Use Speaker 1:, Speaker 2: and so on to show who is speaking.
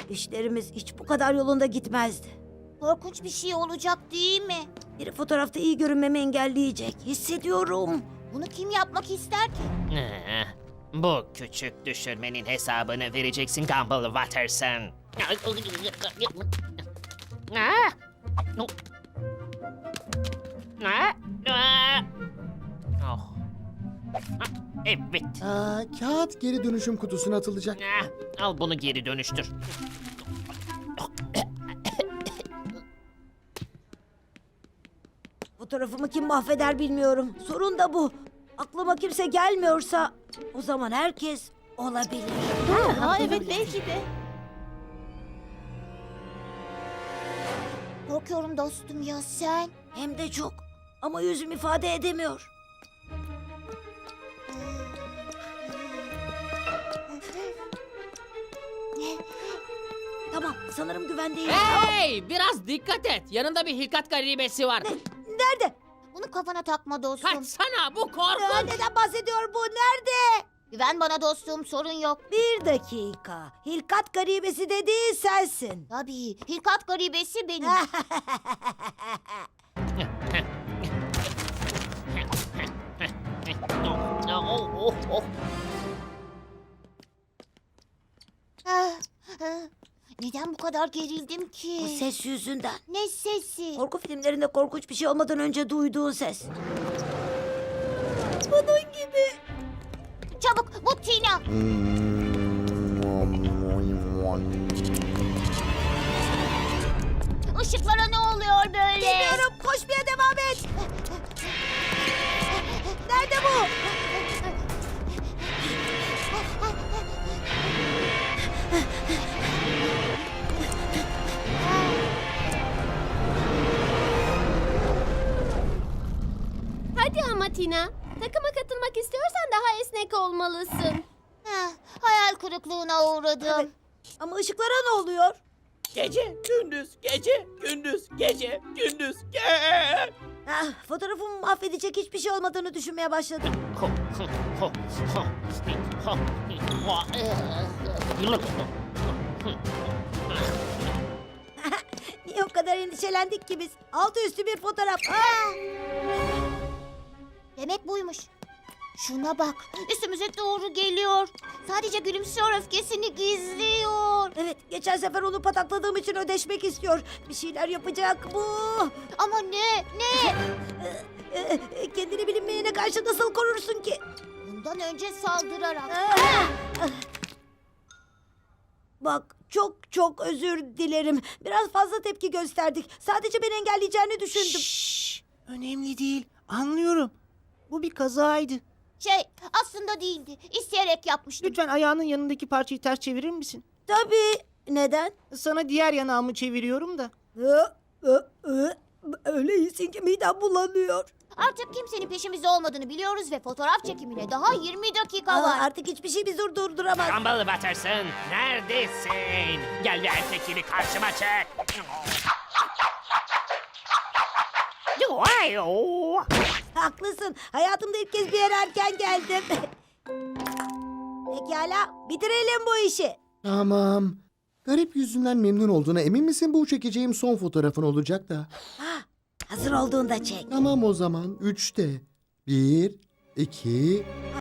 Speaker 1: İşlerimiz hiç bu kadar yolunda gitmezdi.
Speaker 2: Korkunç bir şey olacak değil mi?
Speaker 1: Biri fotoğrafta iyi görünmemi engelleyecek. Hissediyorum.
Speaker 2: Bunu kim yapmak ister ki?
Speaker 3: Bu küçük düşürmenin hesabını vereceksin Gumball Watterson. Oh. Evet.
Speaker 4: Kağıt geri dönüşüm kutusuna atılacak.
Speaker 3: Al bunu geri dönüştür.
Speaker 1: Fotoğrafımı kim mahveder bilmiyorum. Sorun da bu. Aklıma kimse gelmiyorsa o zaman herkes olabilir.
Speaker 2: Ha evet belki de. Korkuyorum dostum ya sen.
Speaker 1: Hem de çok. Ama yüzüm ifade edemiyor. Tamam, sanırım güvendeyim.
Speaker 5: Hey, biraz dikkat et. Yanında bir hilkat garibesi var.
Speaker 1: Nerede?
Speaker 2: Bunu kafana takma dostum.
Speaker 5: Kaçsana, bu korkunç.
Speaker 1: Neden bahsediyor bu? Nerede?
Speaker 2: Güven bana dostum, sorun yok.
Speaker 1: Bir dakika. Hilkat garibesi dediğin sensin.
Speaker 2: Tabii, hilkat garibesi benim. Ah, ah. Neden bu kadar gerildim ki?
Speaker 1: Bu ses yüzünden.
Speaker 2: Ne sesi?
Speaker 1: Korku filmlerinde korkunç bir şey olmadan önce duyduğun ses. Bunun gibi.
Speaker 2: Çabuk, bu Tina. Işıklara ne oluyor böyle?
Speaker 1: Bilmiyorum. Koşmaya devam et. Nerede bu?
Speaker 6: Hadi ama Tina. Takıma katılmak istiyorsan daha esnek olmalısın.
Speaker 2: Heh, hayal kırıklığına uğradım.
Speaker 1: Evet. Ama ışıklara ne oluyor?
Speaker 5: Gece, gündüz, gece, gündüz, gece, gündüz, gece.
Speaker 1: Fotoğrafımı mahvedecek hiçbir şey olmadığını düşünmeye başladım. Niye o kadar endişelendik ki biz? Altı üstü bir fotoğraf.
Speaker 2: Demek buymuş. Şuna bak, üstümüze doğru geliyor. Sadece gülümsüyor, öfkesini gizliyor.
Speaker 1: Evet, geçen sefer onu patakladığım için ödeşmek istiyor. Bir şeyler yapacak bu.
Speaker 2: Ama ne?
Speaker 1: Kendini bilinmeyene karşı nasıl korursun ki?
Speaker 2: Bundan önce saldırarak.
Speaker 1: Bak, çok çok özür dilerim. Biraz fazla tepki gösterdik. Sadece beni engelleyeceğini düşündüm.
Speaker 7: Şşş, önemli değil. Anlıyorum. Bu bir kazaydı.
Speaker 2: Aslında değildi. İsteyerek yapmıştım.
Speaker 7: Lütfen ayağının yanındaki parçayı ters çevirir misin?
Speaker 1: Tabii. Neden?
Speaker 7: Sana diğer yanağımı çeviriyorum da.
Speaker 1: Öyle iyisin ki midem bulanıyor.
Speaker 2: Artık kimsenin peşimizde olmadığını biliyoruz ve fotoğraf çekimine daha 20 dakika var.
Speaker 1: Artık hiçbir şey bizi durduramaz.
Speaker 3: Gumball Watterson, neredesin? Gel ve erkek gibi karşıma çek.
Speaker 1: Haklısın. Hayatımda ilk kez bir yere erken geldim. Pekala, bitirelim bu işi.
Speaker 4: Tamam. Garip yüzünden memnun olduğuna emin misin? Bu çekeceğim son fotoğrafın olacak da.
Speaker 1: Hazır olduğunda çek.
Speaker 4: Tamam o zaman. 3'te. 1, 2,